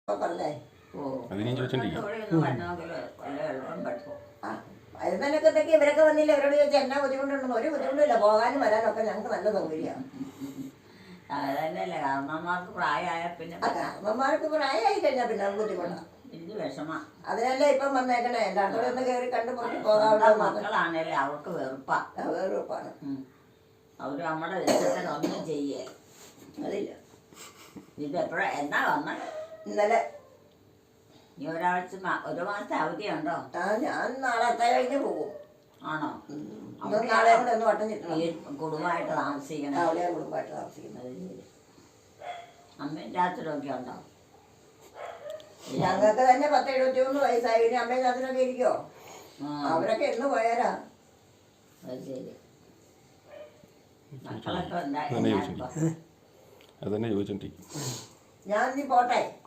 പറഞ്ഞേ. വരുന്നതിനൊക്കെ ഇവരൊക്കെ വന്നില്ല. ഇവരോട് ചോദിച്ചാൽ എന്നാ ബുദ്ധിമുട്ടുണ്ടെന്ന്. ഒരു ബുദ്ധിമുട്ടില്ല. പോകാനും വരാനൊക്കെ ഞങ്ങൾക്ക് നല്ല സൗകര്യമാണ്. അതന്നെയല്ലേ കാരണന്മാർക്ക് പ്രായമായ പിന്നെ കാരണന്മാർക്ക് പ്രായമായി കഴിഞ്ഞാൽ പിന്നെ ബുദ്ധിമുട്ടാണ്. വലിയ വിഷമ. അതിനല്ലേ ഇപ്പം വന്നേക്കണേ. എല്ലായിടത്തോടെ ഒന്ന് കയറി കണ്ടു പോയി പോകാനുള്ള മക്കളാണല്ലേ അവർക്ക് വെറുപ്പാണ്. അവര് നമ്മുടെ ഇഷ്ടത്തിന് ഒന്നും ചെയ്യേ അതില്ല. ഇത് എപ്പോഴാ എന്നാ വന്ന? ഇന്നലെ. ഈ ഒരാഴ്ച ഒരു മാസത്തെ അവധിയുണ്ടോ? ഞാൻ നാളെ കഴിഞ്ഞ് പോകും. ആണോ? നാളെ കൂടെ ഒന്ന് വട്ടം ചിട്ടണം. കുടുംബമായിട്ട് താമസിക്കണം. അവിടെ കുടുംബമായിട്ട് താമസിക്കുന്നത്. അമ്മയും ചാച്ചനൊക്കെ ഉണ്ടോ? ഞങ്ങൾക്ക് തന്നെ 10-73 വയസ്സായി. ഇനി അമ്മയും ചാച്ചനൊക്കെ ഇരിക്കോ? അവരൊക്കെ എന്ന് പോയാരാ. അത് ശരി. മക്കളൊക്കെ അതന്നെ ചോദിച്ചോണ്ടിരിക്കും. ഞാൻ നീ പോട്ടെ.